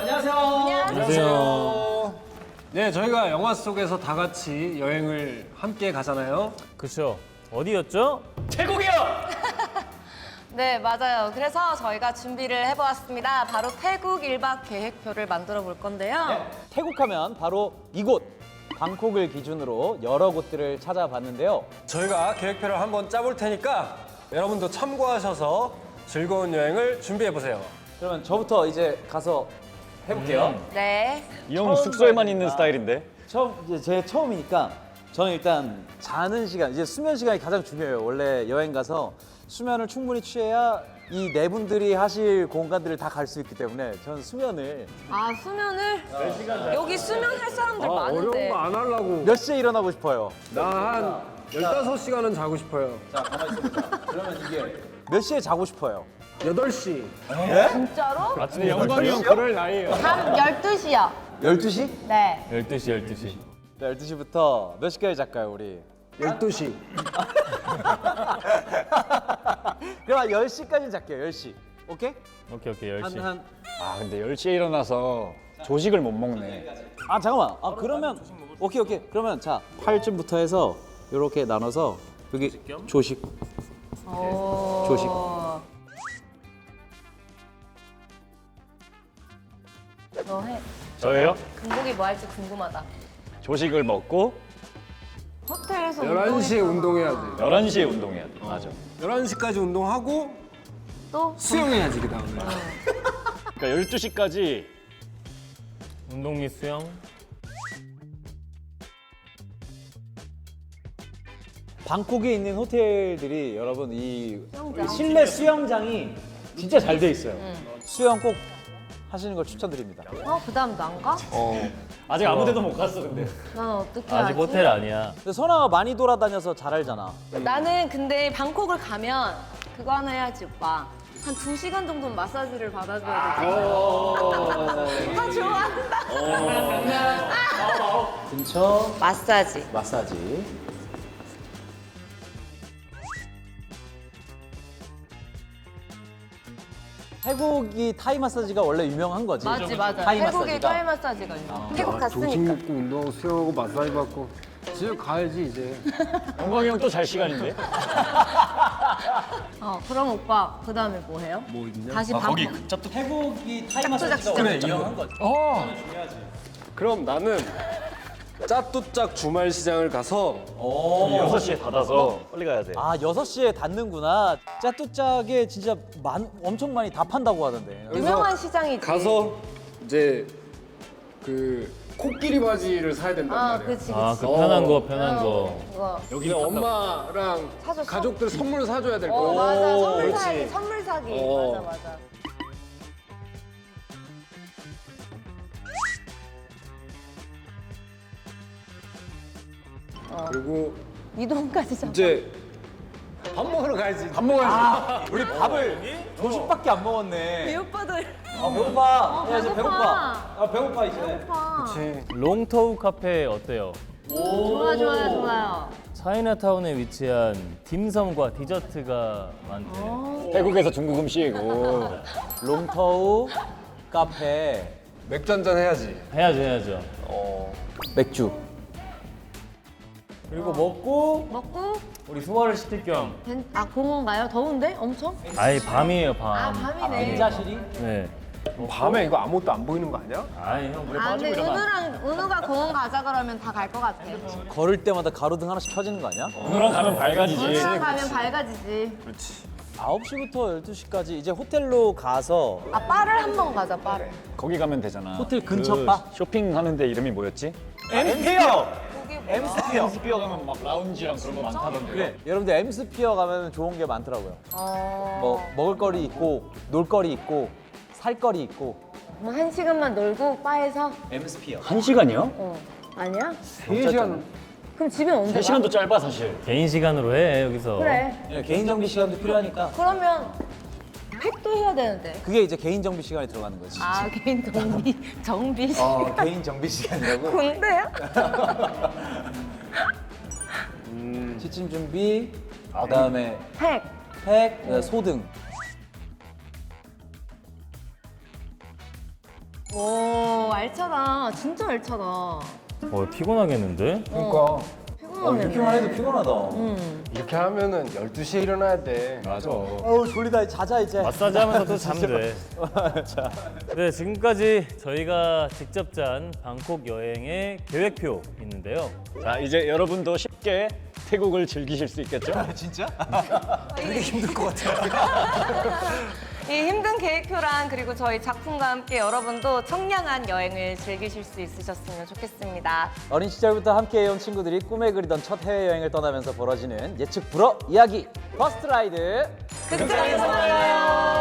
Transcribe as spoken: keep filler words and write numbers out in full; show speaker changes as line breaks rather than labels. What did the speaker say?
안녕하세요.
안녕하세요.
네, 저희가 영화 속에서 다 같이 여행을 함께 가잖아요.
그렇죠. 어디였죠?
태국이요.
네, 맞아요. 그래서 저희가 준비를 해보았습니다. 바로 태국 일 박 계획표를 만들어 볼 건데요.
태국하면 바로 이곳 방콕을 기준으로 여러 곳들을 찾아봤는데요.
저희가 계획표를 한번 짜볼 테니까 여러분도 참고하셔서 즐거운 여행을 준비해 보세요.
그러면 저부터 이제 가서 해볼게요.
네.
이 형 숙소에만 있는 스타일인데.
처음 이제 제 처음이니까 저는 일단 자는 시간, 이제 수면 시간이 가장 중요해요. 원래 여행 가서 수면을 충분히 취해야 이 네 분들이 하실 공간들을 다 갈 수 있기 때문에 저는 수면을
아, 수면을? 여기 수면 할 사람들 많은데.
어려운 거 안 하려고.
몇 시에 일어나고 싶어요?
나 한 열다섯 시간은 자고 싶어요.
자, 가만히 있어보자. 그러면 이게 몇 시에 자고 싶어요?
여덟 시.
진짜로?
아침에
영광이 형 그럴 나이에요.
밤 열두 시요.
열두 시?
네.
열두 시, 열두 시.
네, 열두 시부터 몇 시까지 잘까요, 우리?
열두 시.
그럼 한 열 시까지 잘게요, 열 시. 오케이?
오케이, 오케이, 열 시.
한, 한.
아 근데 열 시에 일어나서 조식을 못 먹네.
아, 잠깐만. 아, 그러면. 오케이, 오케이. 그러면 자, 팔쯤부터 해서 이렇게 나눠서 여기 조식.
오.
조식.
너 해.
저예요?
금복이 뭐 할지 궁금하다.
조식을 먹고
호텔에서
열한 시에 운동해야지.
열한 시에 운동해야 돼. 맞아.
열한 시까지 운동하고
또
수영해야지, 그 다음에.
그러니까 열두 시까지
운동 및 수영.
방콕에 있는 호텔들이 여러분 이
수영장.
실내 수영장이 진짜 잘 돼 있어요. 수영 꼭 하시는 걸 추천드립니다.
어, 그 다음 난 가?
아직 아무데도 못 갔어 근데.
난 어떻게
아직
하지?
호텔 아니야.
근데 선아가 많이 돌아다녀서 잘 알잖아.
나는 근데 방콕을 가면 그거 하나 해야지, 오빠. 한 두 시간 정도는 마사지를 받아줘야 돼. 아, 좋아한다.
근처
마사지.
마사지. 태국이 타이 마사지가 원래 유명한 거지.
맞지, 맞아.
타이
태국의
마사지가.
타이 마사지가 유명. 태국
아, 조식
갔으니까.
먹고 운동하고 수영하고 마사지 받고. 집에 가야지, 이제.
영광이 형 또 잘 시간인데?
어, 그럼 오빠 그 다음에 뭐 해요?
뭐 있냐?
다시 방콕.
태국이 타이
짝두짝
마사지가
진짜
원래
짝두짝.
유명한 거지.
어. 그럼 나는 짜뚜짝 주말 시장을 가서
여섯 시에 닫아서 빨리 가야 돼.
아, 여섯 시에 닫는구나. 짜뚜짝에 진짜 많, 엄청 많이 다 판다고 하던데.
유명한 시장이지.
가서 이제 그 코끼리 바지를 사야 된단
아,
말이야.
그치, 그치.
아, 그 편한 거, 편한 거.
그거.
여기 엄마랑
사줬어?
가족들 선물 사줘야 될
어,
거야.
맞아. 선물
그렇지.
사기, 선물 사기.
어.
맞아, 맞아.
그리고
이동까지 잡아.
이제 밥 먹으러 가야지.
밥 먹어야지.
우리 밥을 조식밖에 안 먹었네.
이 오빠들.
아, 배고파. 야, 이제
배고파.
배고파. 아, 배고파, 이제.
오빠.
그치.
롱터우 카페 어때요?
좋아, 좋아요, 좋아요.
차이나타운에 위치한 dim섬과 디저트가 많대.
어.
태국에서 중국 음식이고.
롱터우 카페
맥주 한잔 해야지.
해야죠, 해야죠.
맥주.
그리고 먹고
먹고,
우리 소화를 시킬 겸.
벤- 아, 공원 가요? 더운데? 엄청?
아이, 밤이에요, 밤.
아, 밤이네.
인자실이?
네.
밤에 이거 아무것도 안 보이는 거 아니야?
아이, 형, 물에
아, 근데
빠지고 이러면.
은우랑, 은우가 공원 가자 그러면 다 갈 것 같아.
걸을 때마다 가로등 하나씩 켜지는 거 아니야?
오늘랑 가면 밝아지지.
은우랑 가면 밝아지지.
아홉 시부터 열두 시까지 이제 호텔로 가서
아, 바를 한 번 가자, 바를.
거기 가면 되잖아.
호텔 근처
그
바?
쇼핑하는데 이름이 뭐였지?
엠스피어!
거기 뭐.
스피어 가면 막 라운지랑 그런 거 많다던데.
그래, 여러분들 엠스피어 가면 좋은 게 많더라고요.
어.
뭐 먹을거리 있고 놀거리 있고 살거리 있고
뭐 한 시간만 놀고 바에서?
엠스피어.
한 시간이요?
어. 아니야?
세 시간.
그럼 집에 언제
세
가?
시간도 짧아 사실.
개인 시간으로 해, 여기서.
그래.
예, 개인 정비 시간도 필요하니까
그러면 팩도 해야 되는데.
그게 이제 개인 정비 시간에 들어가는 거지.
아, 개인 정비, 정비 시
어, 개인 정비 시간이라고.
군대야?
취침 준비, 그다음에
팩.
팩, 그다음에 소등.
오, 알차다. 진짜 알차다.
어, 피곤하겠는데?
그러니까
피곤하네.
이렇게만 해도 피곤하다.
이렇게 하면은 열두 시에 일어나야 돼.
맞아.
어우 졸리다. 자자 이제.
마사지 하면서 또 자면 돼. 네, 지금까지 저희가 직접 짠 방콕 여행의 계획표 있는데요.
자, 이제 여러분도 쉽게 태국을 즐기실 수 있겠죠?
되게 힘들 것 같아.
이 힘든 계획표랑 그리고 저희 작품과 함께 여러분도 청량한 여행을 즐기실 수 있으셨으면 좋겠습니다.
어린 시절부터 함께해온 친구들이 꿈에 그리던 첫 해외여행을 떠나면서 벌어지는 예측 불허 이야기. 퍼스트 라이드.
극장에서 만나요.